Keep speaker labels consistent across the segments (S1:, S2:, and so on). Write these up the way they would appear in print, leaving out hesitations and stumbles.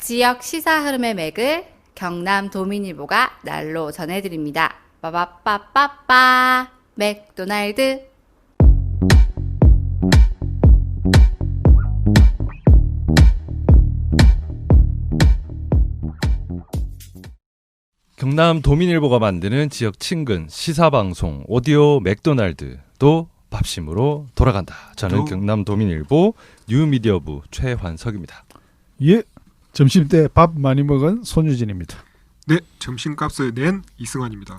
S1: 지역 시사 흐름의 맥을 경남 도민일보가 날로 전해드립니다. 빠바빠빠빠 맥도날드.
S2: 경남 도민일보가 만드는 지역 친근 시사방송 오디오 맥도날드도 밥심으로 돌아간다. 저는 경남 도민일보 뉴미디어부 최환석입니다.
S3: 예, 점심때 밥 많이 먹은 손유진입니다.
S4: 네, 점심값을 낸 이승환입니다.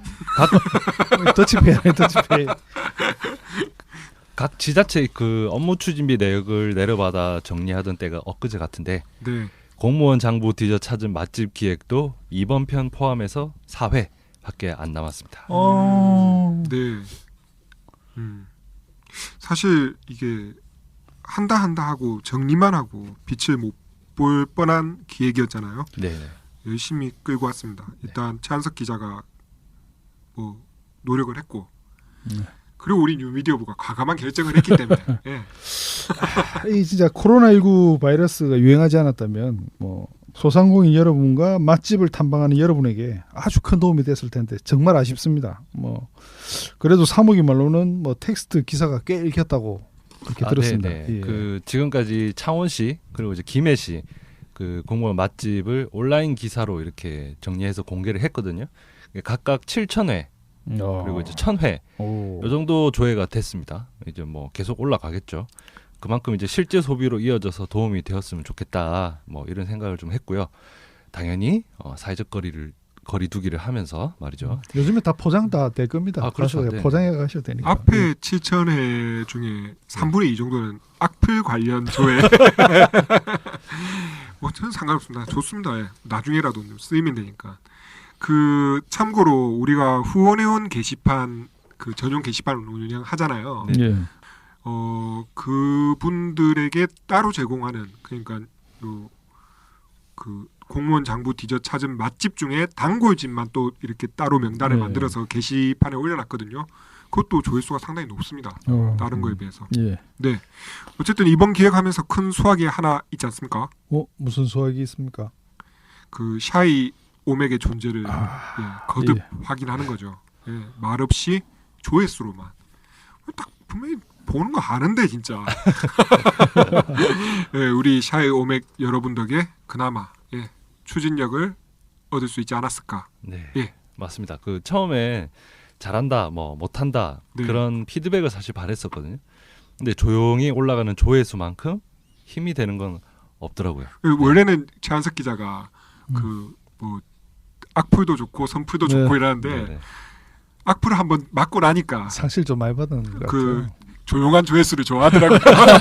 S3: 더치페이.
S2: 각 지자체 그 업무 추진비 내역을 내려받아 정리하던 때가 엊그제 같은데
S4: 네.
S2: 공무원 장부 뒤져 찾은 맛집 기획도 이번 편 포함해서 4회밖에 안 남았습니다.
S4: 네. 사실 이게 한다 하고 정리만 하고 빛을 못 볼 뻔한 기획이었잖아요.
S2: 네.
S4: 열심히 끌고 왔습니다. 일단 최한석 기자가 뭐 노력을 했고, 그리고 우리 뉴미디어부가 과감한 결정을 했기 때문에. 예.
S3: 이 진짜 코로나19 바이러스가 유행하지 않았다면 뭐 소상공인 여러분과 맛집을 탐방하는 여러분에게 아주 큰 도움이 됐을 텐데 정말 아쉽습니다. 뭐 그래도 사무기 말로는 뭐 텍스트 기사가 꽤 읽혔다고 그렇게 들었습니다.
S2: 네.
S3: 예.
S2: 그 지금까지 창원시 그리고 이제 김해시 그 공무원 맛집을 온라인 기사로 이렇게 정리해서 공개를 했거든요. 각각 7,000회 그리고 이제 1,000회 이 정도 조회가 됐습니다. 이제 뭐 계속 올라가겠죠. 그만큼 이제 실제 소비로 이어져서 도움이 되었으면 좋겠다. 뭐 이런 생각을 좀 했고요. 당연히 사회적 거리 두기를 하면서 말이죠.
S3: 요즘에 다 포장 다 될 겁니다.
S2: 그렇죠. 네.
S3: 포장해 가셔도 되니까.
S4: 앞에 7,000회 중에 3분의 2 정도는 악플 관련 조회. 뭐 저는 상관없습니다. 좋습니다. 예. 나중에라도 쓰이면 되니까. 그 참고로 우리가 후원회원 게시판 그 전용 게시판을 운영하잖아요.
S3: 예.
S4: 그분들에게 따로 제공하는 그러니까 그 공무원 장부 뒤져 찾은 맛집 중에 단골집만 또 이렇게 따로 명단을 만들어서 게시판에 올려놨거든요. 그것도 조회수가 상당히 높습니다. 다른 거에 비해서.
S3: 예.
S4: 네. 어쨌든 이번 기획하면서 큰 수확이 하나 있지 않습니까?
S3: 무슨 수확이 있습니까?
S4: 그 샤이 오맥의 존재를 거듭 확인하는 거죠. 예, 말 없이 조회수로만. 딱 분명히 보는 거 아는데 진짜. 예, 우리 샤이 오맥 여러분 덕에 그나마 추진력을 얻을 수 있지 않았을까.
S2: 네,
S4: 예.
S2: 맞습니다. 그 처음에 잘한다, 뭐 못한다 그런 피드백을 사실 바랬었거든요. 근데 조용히 올라가는 조회수만큼 힘이 되는 건 없더라고요.
S4: 원래는 최한석 기자가 그 뭐 악플도 좋고 선플도 좋고 이러는데 악플을 한번 맞고 나니까
S3: 상실 좀 많이 받은 것
S4: 그
S3: 같아요.
S4: 조용한 조회수를 좋아하더라고요.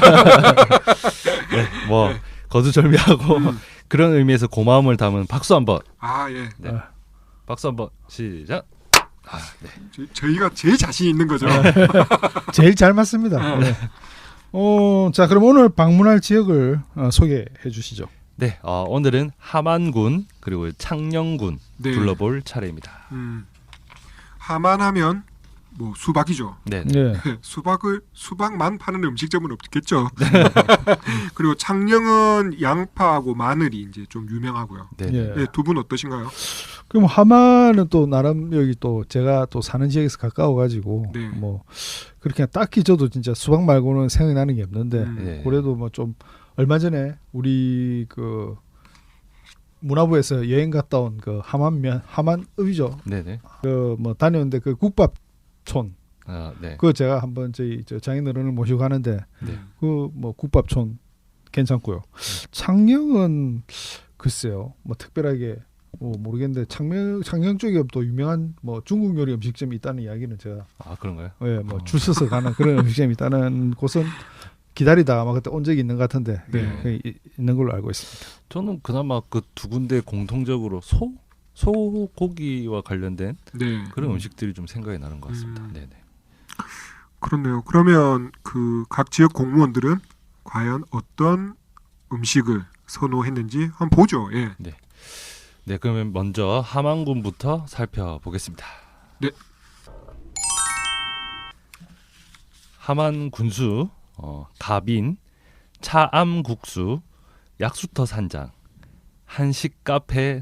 S2: 뭐 거두절미하고 그런 의미에서 고마움을 담은 박수 한번.
S4: 예.
S2: 박수 한번 시작.
S4: 저희가 제일 자신 있는 거죠.
S3: 제일 잘 맞습니다. 네. 자, 그럼 오늘 방문할 지역을 소개해 주시죠.
S2: 네, 오늘은 함안군 그리고 창녕군 둘러볼 차례입니다.
S4: 함안하면 뭐 수박이죠.
S2: 네.
S4: 수박만 파는 음식점은 없겠죠. 그리고 창녕은 양파하고 마늘이 이제 좀 유명하고요. 네, 두 분 어떠신가요?
S3: 그럼 함안은 또 나름 여기 또 제가 또 사는 지역에서 가까워가지고 뭐 그렇게 딱히 저도 진짜 수박 말고는 생각이 나는 게 없는데 그래도 뭐 좀 얼마 전에 우리 그 문화부에서 여행 갔다 온 그 함안읍이죠.
S2: 네네.
S3: 그 뭐 다녔는데 그 국밥촌. 그거 제가 한번 저희 장인어른을 모시고 가는데 그 뭐 국밥촌 괜찮고요. 창녕은 글쎄요, 뭐 특별하게 모르겠는데 창녕 쪽에 또 유명한 뭐 중국 요리 음식점이 있다는 이야기는 제가
S2: 그런가요?
S3: 예, 뭐 줄 서서 가는 그런 음식점이 있다는 곳은 기다리다가 아마 그때 온 적이 있는 것 같은데 있는 걸로 알고 있습니다.
S2: 저는 그나마 그 두 군데 공통적으로 소고기와 관련된 그런 음식들이 좀 생각이 나는 것 같습니다. 네네.
S4: 그렇네요. 그러면 그 각 지역 공무원들은 과연 어떤 음식을 선호했는지 한번 보죠. 예.
S2: 네, 그러면 먼저 함안군부터 살펴보겠습니다.
S4: 네.
S2: 한식 카페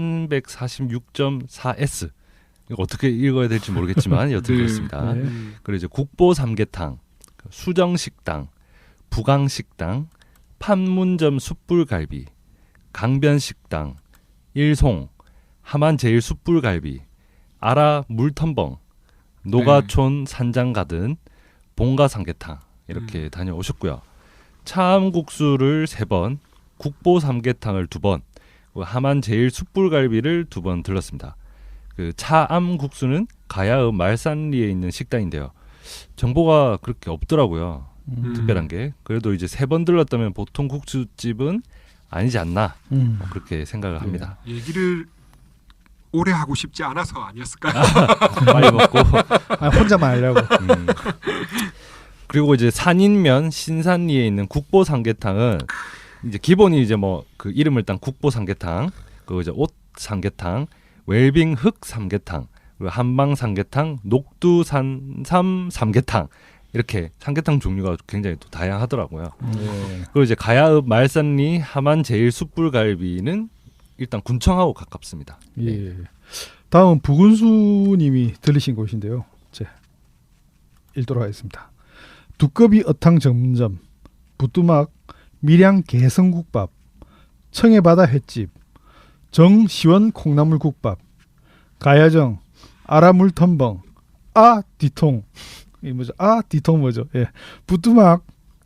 S2: 346.4S. 이거 어떻게 읽어야 될지 모르겠지만 여튼 그렇습니다. 그리고 이제 국보 삼계탕, 수정식당, 부강식당, 판문점 숯불갈비, 강변식당, 일송, 하만제일 숯불갈비, 아라 물텀벙, 노가촌 산장가든, 봉가 삼계탕 이렇게 다녀오셨고요. 차암국수를 3번, 국보 삼계탕을 2번, 하만제일 숯불갈비를 2번 들렀습니다. 그 차암국수는 가야읍 말산리에 있는 식당인데요. 정보가 그렇게 없더라고요. 특별한 게. 그래도 이제 3번 들렀다면 보통 국수집은 아니지 않나 그렇게 생각을 합니다.
S4: 얘기를 오래 하고 싶지 않아서 아니었을까요?
S2: 빨리 먹고
S3: 혼자만 하려고.
S2: 그리고 이제 산인면 신산리에 있는 국보 삼계탕은 이제 기본이 이제 뭐 그 이름을 딴 국보 삼계탕, 그리고 이제 옷 삼계탕, 웰빙 흑 삼계탕, 그리고 한방 삼계탕, 녹두 산삼 삼계탕 이렇게 삼계탕 종류가 굉장히 또 다양하더라고요. 그리고 이제 가야읍 말산리 하만 제일 숯불갈비는 일단 군청하고 가깝습니다.
S3: 예. 다음은 부근수님이 들리신 곳인데요. 읽도록 하겠습니다. 두꺼비 어탕 전문점, 부뚜막 밀양 개성국밥, 청해바다 횟집, 정시원 콩나물국밥, 가야정 아라물텀벙, 뒤통 이 뭐죠? 뒤통 뭐죠? 예, 부뚜막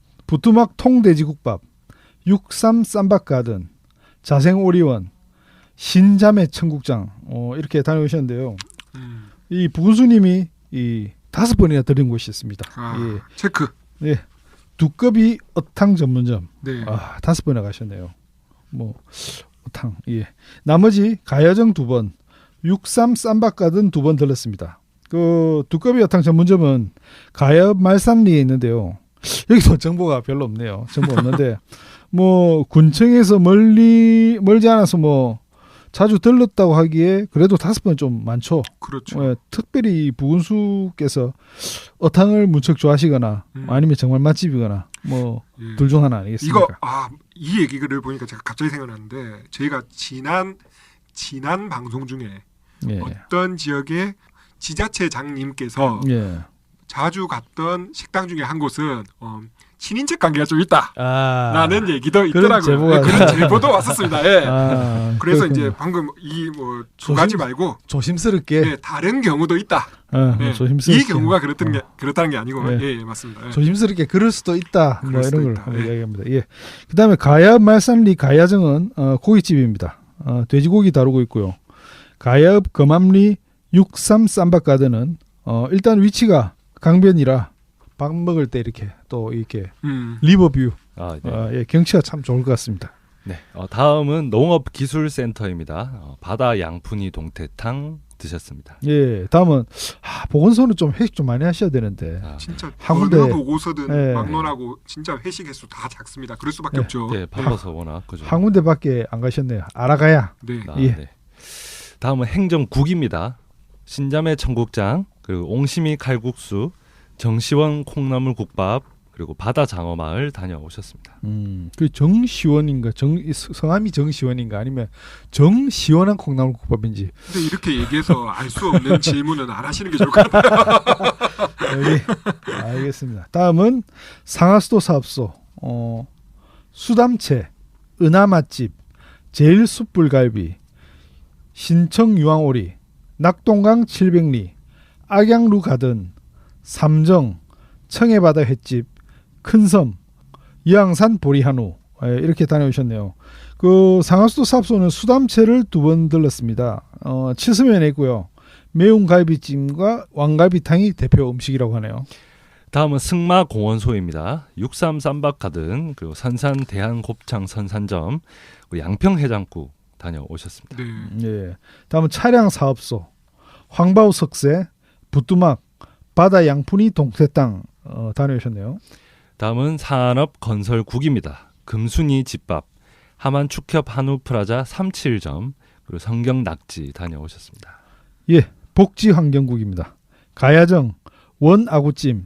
S3: 통돼지국밥, 63 쌈박가든, 자생오리원, 신자매 청국장 이렇게 다녀오셨는데요. 이 부근수님이 이 5번이나 들은 곳이 있습니다. 예.
S4: 체크.
S3: 예, 두꺼비 어탕 전문점.
S4: 네.
S3: 5번이나 가셨네요. 뭐 어탕. 예. 나머지 가야정 2번, 63 쌈박가든 2번 들렀습니다. 그 두꺼비 어탕 전문점은 가야읍 말산리에 있는데요. 여기서 정보가 별로 없네요. 정보 없는데 뭐 군청에서 멀지 않아서 뭐 자주 들렀다고 하기에 그래도 5번 좀 많죠.
S4: 그렇죠.
S3: 예, 특별히 부근수께서 어탕을 무척 좋아하시거나 아니면 정말 맛집이거나 뭐 둘 중 하나 아니겠습니까?
S4: 이거 이 얘기를 보니까 제가 갑자기 생각났는데 저희가 지난 방송 중에 어떤 지역의 지자체장님께서 자주 갔던 식당 중에 한 곳은 친인척 관계가 좀 있다라는 얘기도 있더라고요. 그런 제보도 왔었습니다. 예. 그래서
S3: 그렇군요.
S4: 이제 방금 이 뭐 두 가지 말고
S3: 조심스럽게
S4: 다른 경우도 있다.
S3: 조심스럽게
S4: 이 경우가 그렇다는 게 아니고 예, 맞습니다. 예.
S3: 조심스럽게 그럴 수도 있다. 뭐 이런 걸
S4: 예.
S3: 이야기합니다. 예. 그다음에 가야읍 말산리 가야정은 고깃집입니다. 돼지고기 다루고 있고요. 가야읍 검암리 63 쌈박가든은 일단 위치가 강변이라 밥 먹을 때 이렇게 또 이렇게 리버뷰 예, 경치가 참 좋을 것 같습니다.
S2: 네, 다음은 농업기술센터입니다. 바다 양푼이 동태탕 드셨습니다.
S3: 예, 다음은 보건소는 좀 회식 좀 많이 하셔야 되는데
S4: 진짜
S3: 한
S4: 어느
S3: 군데
S4: 보고서든 막론하고 진짜 회식 횟수 다 작습니다. 그럴 수밖에 없죠.
S2: 네, 바빠서 워낙 그죠.
S3: 한 군데밖에 안 가셨네요. 알아가야.
S4: 네.
S3: 예.
S2: 네. 다음은 행정국입니다. 신자매 청국장, 그리고 옹심이 칼국수, 정시원 콩나물국밥, 그리고 바다장어마을 다녀오셨습니다.
S3: 그 정시원인가 성함이 정시원인가 아니면 정시원한 콩나물국밥인지.
S4: 근데 이렇게 얘기해서 알 수 없는 질문은 안 하시는 게 좋을 것 같아요.
S3: 네, 알겠습니다. 다음은 상하수도 사업소, 수담채, 은하맛집, 제일숯불갈비, 신청유황오리, 낙동강 700리, 악양루 가든, 삼정, 청해바다 횟집, 큰섬, 이항산 보리한우 이렇게 다녀오셨네요. 그 상하수도 사업소는 수담채를 2번 들렀습니다. 7서면에 있고요. 매운 갈비찜과 왕갈비탕이 대표 음식이라고 하네요.
S2: 다음은 승마공원소입니다. 63 쌈박가든, 그리고 선산 대한곱창 선산점, 그리고 양평해장국 다녀오셨습니다.
S4: 네.
S3: 예. 다음은 차량사업소, 황바우 석쇠, 부뚜막, 바다 양푼이 동태땅 다녀오셨네요.
S2: 다음은 산업건설국입니다. 금순이 집밥, 하만축협 한우프라자 37점, 그리고 성경낙지 다녀오셨습니다.
S3: 예, 복지환경국입니다. 가야정, 원아구찜,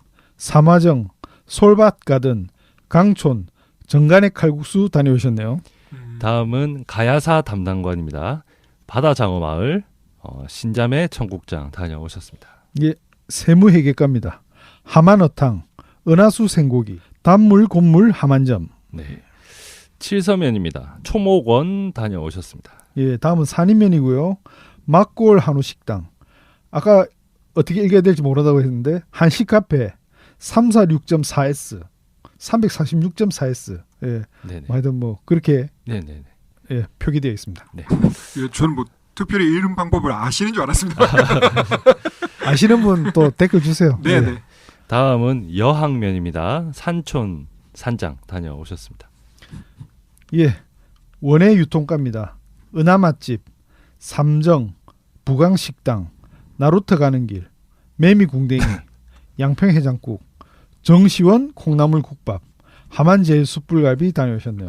S3: 삼화정, 솔밭가든, 강촌, 정간의 칼국수 다녀오셨네요.
S2: 다음은 가야사 담당관입니다. 바다장어마을 신자매 청국장 다녀오셨습니다.
S3: 예, 세무회계과입니다. 하만어탕, 은하수 생고기, 단물 곤물 하만점.
S2: 네. 칠서면입니다. 초목원 다녀오셨습니다.
S3: 예, 다음은 산인면이고요. 막골 한우식당. 아까 어떻게 읽어야 될지 모르다고 했는데 한식카페 346.4S, 346.4S. 예, 하여튼 뭐 그렇게 예, 표기되어 있습니다.
S2: 네.
S4: 예, 저는 뭐 특별히 이름 방법을 아시는 줄 알았습니다.
S3: 아시는 분 또 댓글 주세요.
S4: 네네.
S3: 네.
S2: 다음은 여항면입니다. 산촌 산장 다녀오셨습니다.
S3: 예, 원예 유통가입니다. 은하맛집, 삼정, 부강식당, 나루터 가는 길, 매미궁뎅이, 양평해장국, 정시원 콩나물국밥, 하만제일 숯불갈비 다녀오셨네요.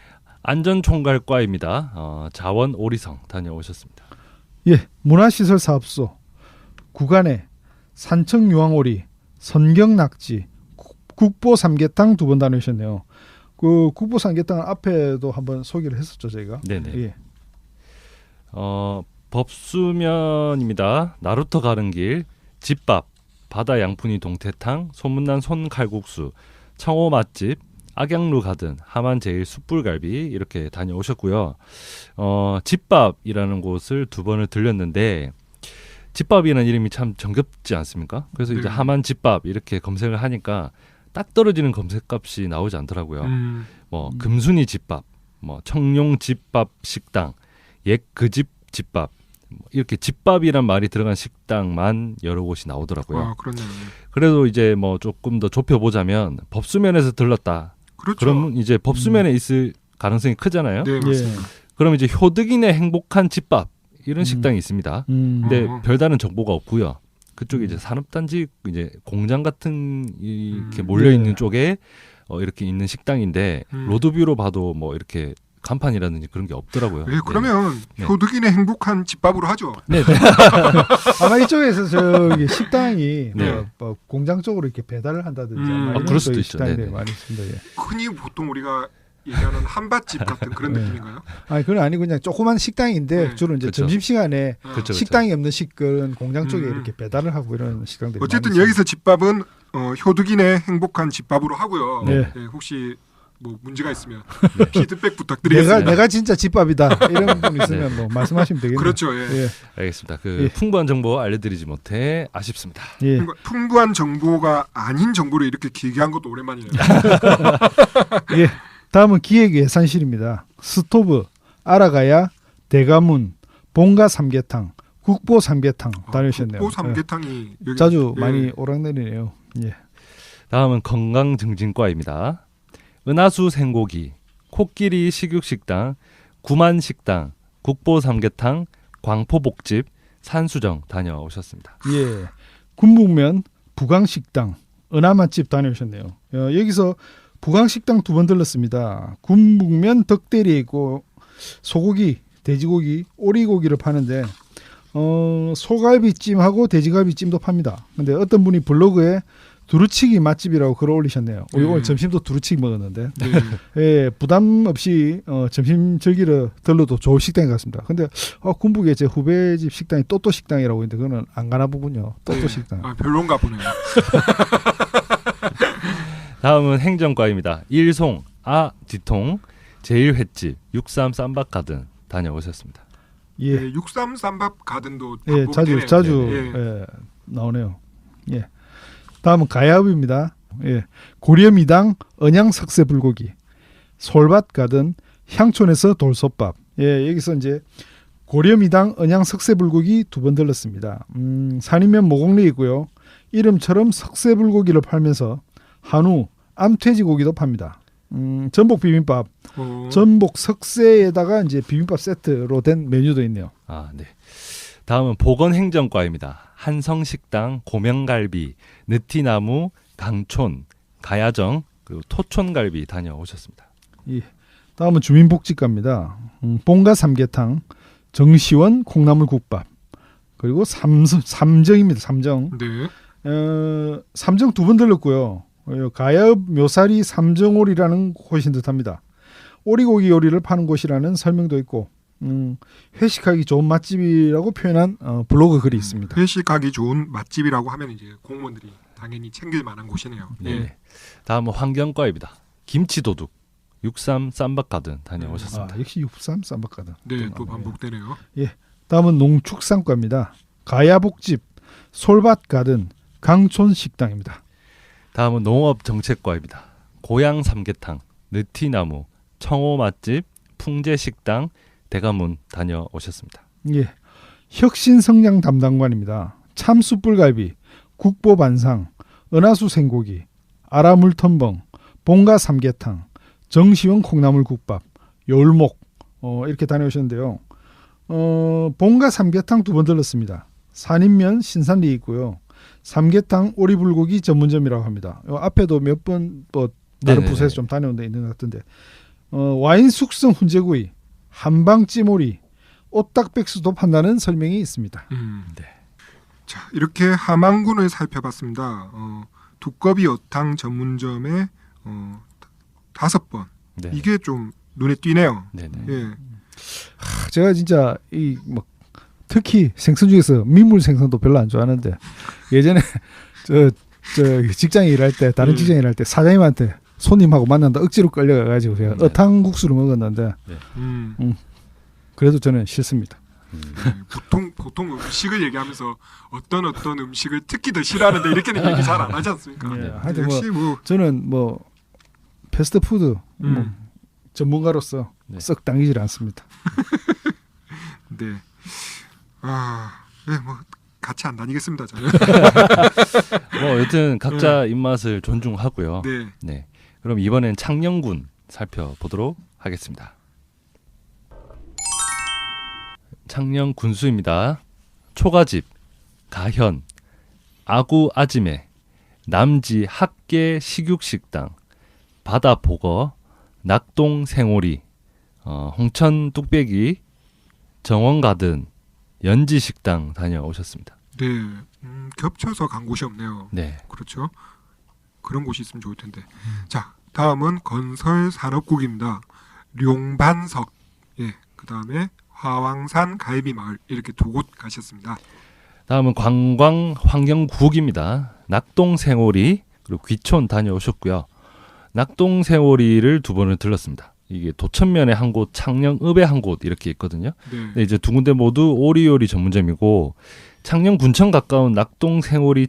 S2: 안전총괄과입니다. 자원 오리성 다녀오셨습니다.
S3: 예, 문화시설사업소, 구간에 산청유황오리, 선경낙지, 국보삼계탕 2번 다녀오셨네요. 그 국보삼계탕 앞에도 한번 소개를 했었죠 저희가.
S2: 네네.
S3: 예.
S2: 법수면입니다. 나루터 가는 길, 집밥, 바다 양푼이 동태탕, 소문난 손칼국수, 청호 맛집, 악양루 가든, 하만 제일 숯불갈비 이렇게 다녀오셨고요. 집밥이라는 곳을 2번을 들렸는데 집밥이라는 이름이 참 정겹지 않습니까? 그래서 이제 하만 집밥 이렇게 검색을 하니까 딱 떨어지는 검색값이 나오지 않더라고요. 뭐 금순이 집밥, 뭐 청룡 집밥 식당, 옛 그 집 집밥 이렇게 집밥이란 말이 들어간 식당만 여러 곳이 나오더라고요.
S4: 아, 그렇네요.
S2: 그래도 이제 뭐 조금 더 좁혀보자면 법수면에서 들렀다.
S4: 그렇죠.
S2: 그럼 이제 법수면에 있을 가능성이 크잖아요.
S4: 네, 맞습니다.
S2: 그럼 이제 효득인의 행복한 집밥 이런 식당이 있습니다. 근데 별다른 정보가 없고요. 그쪽에 이제 산업단지 이제 공장 같은 이렇게 몰려 있는 쪽에 이렇게 있는 식당인데 로드뷰로 봐도 뭐 이렇게 간판이라든지 그런 게 없더라고요.
S4: 네, 그러면 효득인의 행복한 집밥으로 하죠.
S2: 네.
S3: 아마 이쪽에서 저기 식당이 뭐 공장 쪽으로 이렇게 배달을 한다든지
S2: 그럴 수도 있죠.
S3: 식당들이 많이 있습니다. 예.
S4: 흔히 보통 우리가 얘기하는 한밭집 같은 그런 느낌인가요?
S3: 아니 그건 아니고 그냥 조그만 식당인데 주로 이제 점심 시간에 식당이 없는 식은 공장 쪽에 이렇게 배달을 하고 이런 식당들이.
S4: 어쨌든 여기서 집밥은 효득인의 행복한 집밥으로 하고요. 네, 혹시 뭐 문제가 있으면 피드백 부탁드리겠습니다.
S3: 내가 진짜 집밥이다 이런 분 있으면 뭐 말씀하시면 되겠네요.
S4: 그렇죠. 예.
S3: 예.
S2: 알겠습니다. 풍부한 정보 알려드리지 못해 아쉽습니다.
S3: 예.
S4: 풍부한 정보가 아닌 정보를 이렇게 길게 한 것도 오랜만이네요.
S3: 예. 다음은 기획예산실입니다. 스토브, 아라가야, 대가문, 본가 삼계탕, 국보 삼계탕 다녀오셨네요.
S4: 국보 삼계탕이 여기
S3: 자주 많이 오락내리네요. 예.
S2: 다음은 건강증진과입니다. 은하수 생고기, 코끼리 식육식당, 구만식당, 국보삼계탕, 광포복집, 산수정 다녀오셨습니다.
S3: 예, 군북면, 부강식당, 은하맛집 다녀오셨네요. 여기서 부강식당 2번 들렀습니다. 군북면 덕대리에 있고 소고기, 돼지고기, 오리고기를 파는데 소갈비찜하고 돼지갈비찜도 팝니다. 근데 어떤 분이 블로그에 두루치기 맛집이라고 글을 올리셨네요. 오늘 점심도 두루치기 먹었는데 예, 부담 없이 점심 즐기러 들러도 좋은 식당인 것 같습니다. 근데 군북에 제 후배 집 식당이 또또 식당이라고 있는데 그거는 안 가나 보군요. 또또 식당.
S4: 별론가 보네요.
S2: 다음은 행정과입니다. 일송, 뒤통, 제일횟집, 63 쌈밥 가든 다녀오셨습니다.
S3: 예,
S4: 63 쌈밥 가든도
S3: 자주 예, 나오네요. 예. 다음은 가야읍입니다. 예. 고려미당 언양 석쇠 불고기, 솔밭 가든 향촌에서 돌솥밥. 예, 여기서 이제 고려미당 언양 석쇠 불고기 2번 들렀습니다. 산이면 모곡리 있고요. 이름처럼 석쇠 불고기를 팔면서 한우, 암돼지 고기도 팝니다. 전복 비빔밥, 전복 석쇠에다가 이제 비빔밥 세트로 된 메뉴도 있네요.
S2: 네. 다음은 보건행정과입니다. 한성식당, 고명갈비, 느티나무, 강촌, 가야정, 그리고 토촌갈비 다녀오셨습니다.
S3: 예. 다음은 주민복지과입니다. 본가 삼계탕, 정시원 콩나물국밥, 그리고 삼정입니다. 삼정.
S4: 네.
S3: 삼정 2번 들렀고요. 가야읍 묘사리 삼정홀이라는 곳인 듯합니다. 오리고기 요리를 파는 곳이라는 설명도 있고 회식하기 좋은 맛집이라고 표현한 블로그 글이 있습니다.
S4: 회식하기 좋은 맛집이라고 하면 이제 공무원들이 당연히 챙길 만한 곳이네요.
S2: 네. 네. 다음은 환경과입니다. 김치도둑 63 쌈박가든 다녀오셨습니다.
S3: 역시 63 쌈박가든.
S4: 네, 또 반복되네요.
S3: 예. 다음은 농축산과입니다. 가야복집 솔밭가든 강촌식당입니다.
S2: 다음은 농업정책과입니다. 고향 삼계탕, 느티나무, 청호 맛집, 풍제식당, 대가문 다녀오셨습니다.
S3: 예, 혁신성장 담당관입니다. 참숯불갈비, 국보반상, 은하수 생고기, 아라물텀벙, 봉가 삼계탕, 정시원 콩나물국밥, 열목 이렇게 다녀오셨는데요. 봉가 삼계탕 2번 들렀습니다. 산인면 신산리 있고요. 삼계탕 오리불고기 전문점이라고 합니다. 앞에도 몇 번 다른 부서에서 좀 다녀온 데 있는 것 같은데 와인 숙성 훈제구이, 한방찌모리, 오딱백수도 판다는 설명이 있습니다.
S2: 네.
S4: 자, 이렇게 함안군을 살펴봤습니다. 두꺼비 어탕 전문점에 5번. 네. 이게 좀 눈에 띄네요.
S2: 네네.
S4: 예.
S3: 제가 진짜 특히 생선 중에서 민물 생선도 별로 안 좋아하는데 예전에 저 직장에 일할 때 다른 직장에 일할 때 사장님한테 손님하고 만난다 억지로 끌려가가지고 제가 어탕국수를 먹었는데 그래도 저는 싫습니다.
S4: 보통 음식을 얘기하면서 어떤 음식을 특히 더 싫어하는데 이렇게는 얘기 잘 안 하지 않습니까?
S3: 네. 하여튼 저는 패스트푸드 전문가로서 썩 당기질 않습니다.
S4: 네. 같이 안 다니겠습니다, 저는.
S2: 여튼 각자 입맛을 존중하고요.
S4: 네.
S2: 네. 그럼 이번엔 창녕군 살펴보도록 하겠습니다. 창녕 군수입니다. 초가집, 가현, 아구 아지매, 남지 학계 식육식당, 바다보거, 낙동 생오리, 홍천 뚝배기, 정원가든, 연지식당 다녀오셨습니다.
S4: 네, 겹쳐서 간 곳이 없네요.
S2: 네,
S4: 그렇죠. 그런 곳이 있으면 좋을 텐데. 자, 다음은 건설산업국입니다. 룡반석, 예, 그 다음에 화왕산 갈비마을 이렇게 2곳 가셨습니다.
S2: 다음은 관광환경국입니다. 낙동생오리 그리고 귀촌 다녀오셨고요. 낙동생오리를 2번을 들렀습니다. 이게 도천면에 한 곳, 창녕읍에 한 곳 이렇게 있거든요.
S4: 네.
S2: 근데 이제 2군데 모두 오리요리 전문점이고 창녕군청 가까운 낙동생오리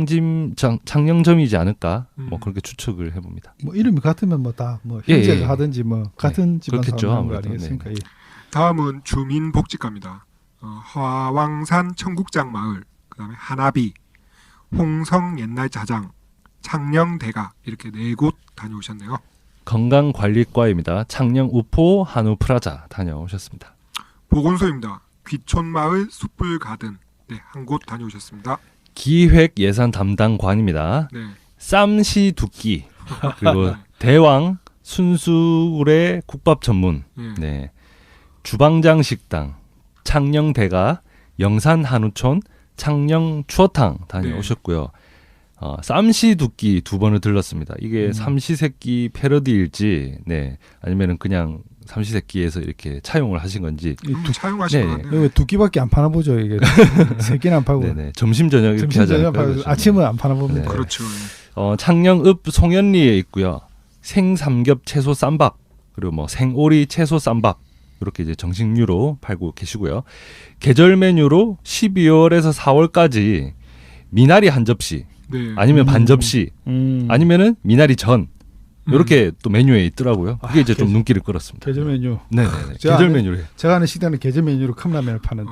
S2: 창녕점이지 않을까 그렇게 추측을 해봅니다.
S3: 이름이 같으면 다 형제가 하든지 같은 집안 사람 거 아니겠습니까?
S2: 네.
S4: 다음은 주민복지과입니다. 화왕산 청국장마을, 그다음에 하나비, 홍성 옛날 자장, 창녕대가 이렇게 4곳 다녀오셨네요.
S2: 건강관리과입니다. 창녕 우포 한우프라자 다녀오셨습니다.
S4: 보건소입니다. 귀촌마을 숯불가든 한 곳 다녀오셨습니다.
S2: 기획예산 담당관입니다.
S4: 네.
S2: 쌈시두끼 그리고 대왕 순수굴의 국밥 전문, 네. 주방장 식당, 창녕대가, 영산 한우촌, 창녕 추어탕 다녀오셨고요. 쌈시두끼 2번을 들렀습니다. 이게 삼시세끼 패러디일지, 네, 아니면은 그냥 삼시세끼에서 이렇게 차용을 하신 건지.
S4: 차용하신 거 같네요.
S3: 왜 2끼밖에 안 파나 보죠 이게. 새끼는 안 팔고.
S2: 네네. 점심 저녁 이렇게 하지 않을까요?
S3: 아침은 안 파나 봅니다.
S2: 네.
S4: 그렇죠.
S2: 창녕읍 송현리에 있고요. 생삼겹 채소 쌈밥 그리고 생오리 채소 쌈밥 이렇게 이제 정식류로 팔고 계시고요. 계절 메뉴로 12월에서 4월까지 미나리 한 접시,
S4: 네.
S2: 아니면 반 접시, 아니면은 미나리 전 이렇게 또 메뉴에 있더라고요. 그게 이제 좀 눈길을 끌었습니다.
S3: 계절 메뉴.
S2: 네, 계절 메뉴로.
S3: 제가 아는 식당은 계절 메뉴로 컵라면을 파는데.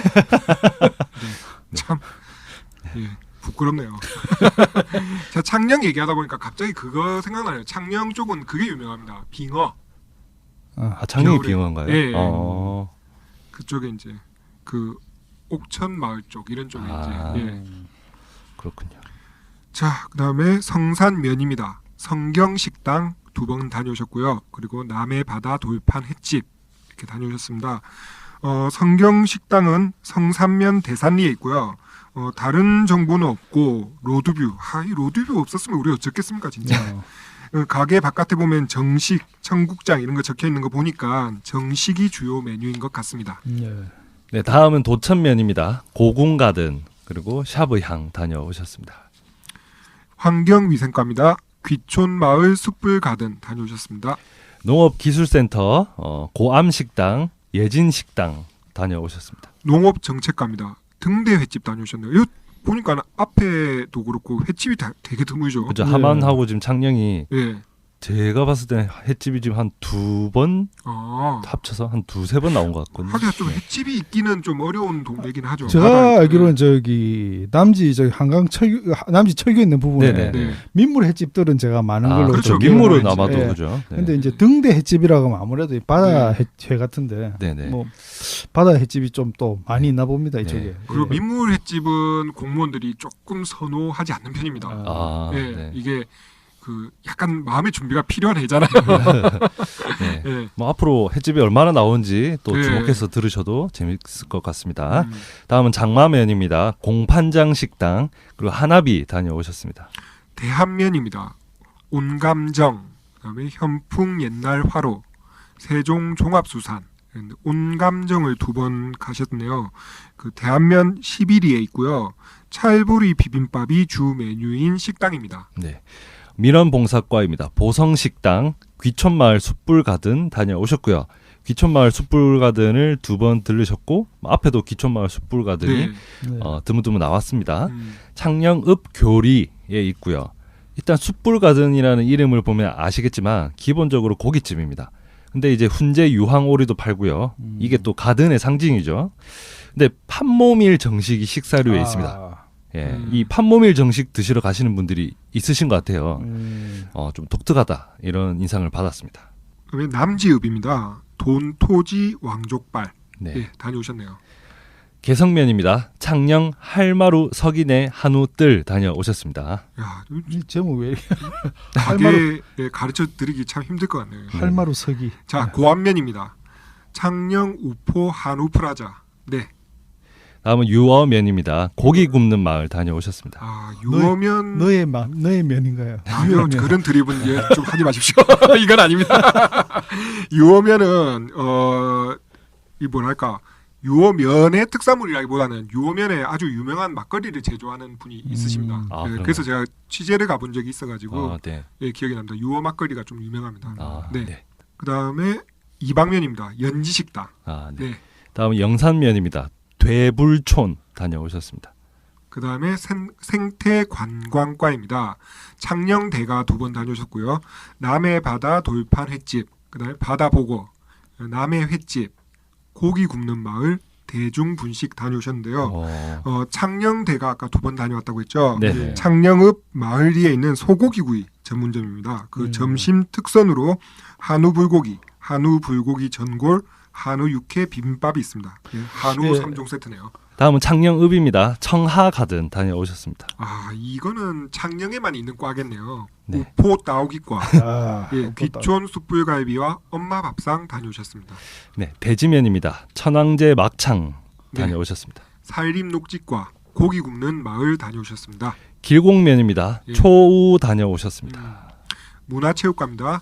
S4: 네. 참 부끄럽네요. 자, 창녕 얘기하다 보니까 갑자기 그거 생각나요. 창녕 쪽은 그게 유명합니다. 빙어.
S2: 창녕이 빙어인가요?
S4: 네. 그쪽에 이제 그 옥천 마을 쪽 이런 쪽에 이제.
S2: 그렇군요.
S4: 자, 그다음에 성산면입니다. 성경식당 2번 다녀오셨고요. 그리고 남해바다 돌판 횟집 이렇게 다녀오셨습니다. 성경식당은 성산면 대산리에 있고요. 다른 정보는 없고 로드뷰. 이 로드뷰 없었으면 우리 어쩌겠습니까 진짜. 가게 바깥에 보면 정식, 청국장 이런 거 적혀 있는 거 보니까 정식이 주요 메뉴인 것 같습니다.
S2: 네, 다음은 도천면입니다. 고궁가든 그리고 샤브향 다녀오셨습니다.
S4: 환경위생과입니다. 귀촌마을 숯불가든 다녀오셨습니다.
S2: 농업기술센터 고암식당, 예진식당 다녀오셨습니다.
S4: 농업정책과입니다. 등대 횟집 다녀오셨네요. 이거 보니까 앞에도 그렇고 횟집이 되게 드물죠.
S2: 그죠. 하만하고 지금 창녕이
S4: 네.
S2: 제가 봤을 때 횟집이 지금 한 2번 합쳐서 한 2-3번 나온 것 같거든요.
S4: 하긴 좀 횟집이 있기는 좀 어려운 동네긴 하죠.
S3: 제가 알기로는 저기 남지 한강 남지 철교 있는 부분에 민물 횟집들은 제가 많은 걸로
S4: 그렇죠.
S2: 민물은 아마도 그죠.
S3: 근데 이제 등대 횟집이라고 하면 아무래도 바다 회 같은데 뭐 바다 횟집이 좀 또 많이 있나 봅니다 이쪽에.
S4: 그리고 민물 횟집은 공무원들이 조금 선호하지 않는 편입니다. 이게 그 약간 마음의 준비가 필요한 애잖아요.
S2: 뭐 앞으로 횟집이 얼마나 나온지 또 주목해서 들으셔도 재밌을 것 같습니다. 다음은 장마면입니다. 공판장 식당 그리고 하나비 다녀오셨습니다.
S4: 대한면입니다. 온감정, 그다음에 현풍 옛날 화로, 세종 종합수산, 온감정을 2번 가셨네요. 그 대한면 11위에 있고요. 찰보리 비빔밥이 주 메뉴인 식당입니다.
S2: 네. 민원봉사과입니다. 보성식당, 귀촌마을 숯불가든 다녀오셨고요. 귀촌마을 숯불가든을 2번 들르셨고 앞에도 귀촌마을 숯불가든이 드문드문 나왔습니다. 창녕읍 교리에 있고요. 일단 숯불가든이라는 이름을 보면 아시겠지만 기본적으로 고깃집입니다. 근데 이제 훈제 유황오리도 팔고요. 이게 또 가든의 상징이죠. 근데 판모밀 정식이 식사료에 있습니다. 이 판모밀 정식 드시러 가시는 분들이 있으신 것 같아요. 좀 독특하다 이런 인상을 받았습니다.
S4: 그러면 남지읍입니다. 돈토지 왕족발 다녀오셨네요.
S2: 개성면입니다. 창녕 할마루 서기내 한우뜰 다녀오셨습니다.
S3: 야, 이 제목 왜
S4: 가게 가르쳐 드리기 참 힘들 것 같네요.
S3: 할마루 서기.
S4: 자, 고안면입니다. 창녕 우포 한우 프라자. 네.
S2: 다음은 유어면입니다. 고기 굽는 마을 다녀오셨습니다.
S4: 유어면
S3: 너의 면인가요?
S4: 아니요, 그런 드립은 좀 하지 마십시오. 이건 아닙니다. 유어면은 이 뭐랄까 유어면의 특산물이라기보다는 유어면에 아주 유명한 막걸리를 제조하는 분이 있으십니다. 그래서 제가 취재를 가본 적이 있어가지고 기억이 납니다. 유어 막걸리가 좀 유명합니다. 그 다음에 이방면입니다. 연지식당.
S2: 다음은 영산면입니다. 되불촌 다녀오셨습니다.
S4: 그 다음에 생태관광과입니다. 창녕대가 2번 다녀오셨고요. 남해바다 돌판 횟집, 그 다음에 바다보고, 남해 횟집, 고기 굽는 마을, 대중분식 다녀오셨는데요. 창녕대가 아까 2번 다녀왔다고 했죠. 창녕읍 마을리에 있는 소고기구이 전문점입니다. 그 점심 특선으로 한우 불고기 전골, 한우 육회 비빔밥이 있습니다. 한우 3종 세트네요.
S2: 다음은 창녕읍입니다. 청하가든 다녀오셨습니다.
S4: 이거는 창녕에만 있는 과겠네요. 우포 따오기과. 귀촌 숯불갈비와 엄마 밥상 다녀오셨습니다.
S2: 네, 대지면입니다. 천왕제 막창 다녀오셨습니다.
S4: 살림 녹지과 고기 굽는 마을 다녀오셨습니다.
S2: 길곡면입니다. 초우 다녀오셨습니다.
S4: 문화체육과입니다.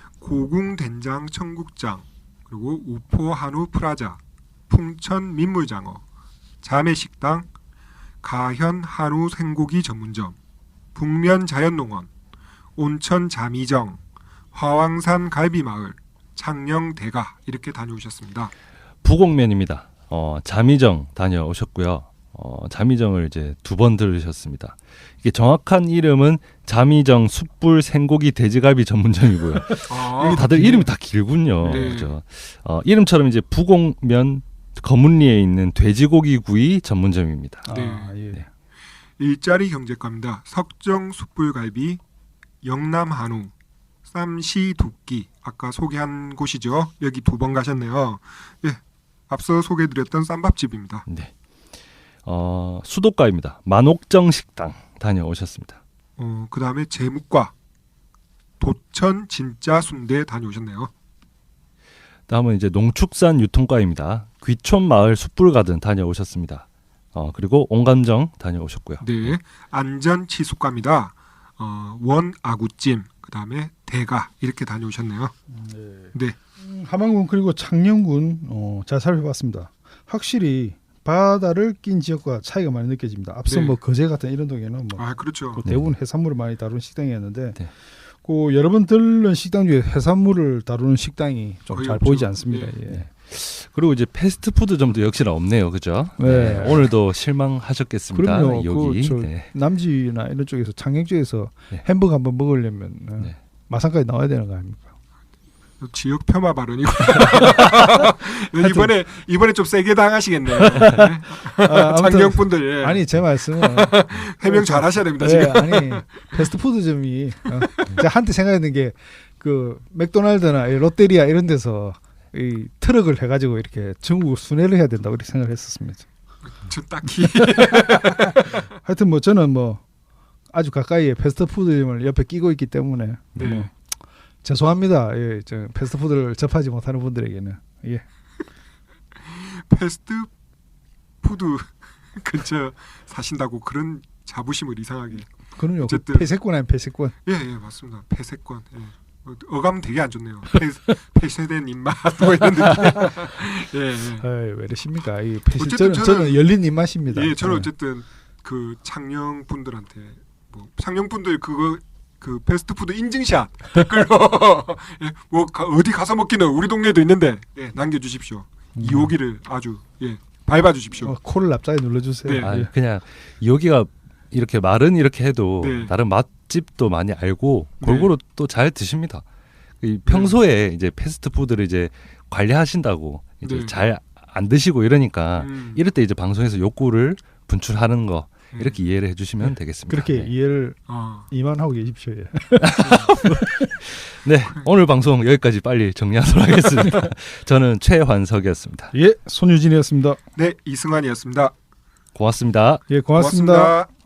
S4: 고궁된장 청국장, 그리고 우포 한우 프라자, 풍천 민물장어, 자매식당, 가현 한우 생고기 전문점, 북면 자연농원, 온천 자미정, 화왕산 갈비마을, 창녕대가 이렇게 다녀오셨습니다.
S2: 부곡면입니다. 자미정 다녀오셨고요. 자미정을 이제 2번 들으셨습니다. 이게 정확한 이름은 자미정 숯불 생고기 돼지갈비 전문점이고요. 다들 이름이 다 길군요. 그렇죠? 이름처럼 이제 부곡면 거문리에 있는 돼지고기 구이 전문점입니다.
S4: 일자리 경제과입니다. 석정 숯불갈비, 영남 한우, 쌈시 두끼 아까 소개한 곳이죠. 여기 2번 가셨네요. 앞서 소개해드렸던 쌈밥집입니다.
S2: 수도과입니다. 만옥정 식당 다녀오셨습니다.
S4: 그 다음에 재묵과 도천 진짜 순대 다녀오셨네요.
S2: 다음은 이제 농축산 유통과입니다. 귀촌마을 숯불가든 다녀오셨습니다. 그리고 온감정 다녀오셨고요.
S4: 네, 안전치수과입니다. 원 아구찜, 그다음에 대가 이렇게 다녀오셨네요. 네.
S3: 함안군 그리고 창녕군 잘 살펴봤습니다. 확실히 바다를 낀 지역과 차이가 많이 느껴집니다. 앞서 뭐 거제 같은 이런 동에는
S4: 그렇죠.
S3: 대부분 해산물을 많이 다루는 식당이었는데 그 여러 번 들른 식당 중에 해산물을 다루는 식당이 좀 잘 보이지 않습니다. 예.
S2: 그리고 이제 패스트푸드점도 역시나 없네요, 그죠?
S3: 네.
S2: 오늘도 실망하셨겠습니다.
S3: 그럼요.
S2: 여기
S3: 남지나 이런 쪽에서 창녕 쪽에서 햄버거 한번 먹으려면 마산까지 나와야 되는 거 아닙니까?
S4: 지역 폄하 발언이고 이번에 좀 세게 당하시겠네요. 창녕 분들.
S3: 아니 제 말씀은
S4: 해명 잘 하셔야 됩니다. 지금.
S3: 아니 패스트푸드점이 제가 한때 생각했는 게 그 맥도날드나 롯데리아 이런 데서 이 트럭을 해가지고 이렇게 전국 순회를 해야 된다고 이렇게 생각을 했었습니다.
S4: 저 딱히
S3: 하여튼 뭐 저는 뭐 아주 가까이에 패스트푸드점을 옆에 끼고 있기 때문에 죄송합니다. 예, 저 패스트푸드를 접하지 못하는 분들에게는
S4: 패스트푸드 근처 사신다고 그런 자부심을 이상하게.
S3: 그럼요. 어쨌든 폐쇄권 아니면 폐쇄권.
S4: 예, 맞습니다. 폐쇄권. 예. 어감 되게 안 좋네요. 폐쇄된 입맛 뭐 이런 느낌.
S3: 왜 이러십니까? 저는 열린 입맛입니다.
S4: 예, 저는 어쨌든 그 창녕 분들한테 뭐 창녕 분들 그 패스트푸드 인증샷 댓글로 뭐 어디 가서 먹기는 우리 동네에도 있는데 남겨주십시오. 이호기를 아주 밟아주십시오.
S3: 코를 납작하게 눌러주세요.
S2: 그냥 여기가 이렇게 말은 이렇게 해도 다른 맛집도 많이 알고 골고루 또 잘 드십니다. 평소에 이제 패스트푸드를 이제 관리하신다고 이제 잘 안 드시고 이러니까 이럴 때 이제 방송에서 욕구를 분출하는 거 이렇게 이해를 해주시면 되겠습니다.
S3: 그렇게 이해를 이만하고 계십시오.
S2: 네, 오늘 방송 여기까지 빨리 정리하도록 하겠습니다. 저는 최환석이었습니다.
S3: 예, 손유진이었습니다.
S4: 네, 이승환이었습니다.
S2: 고맙습니다.
S3: 예, 고맙습니다.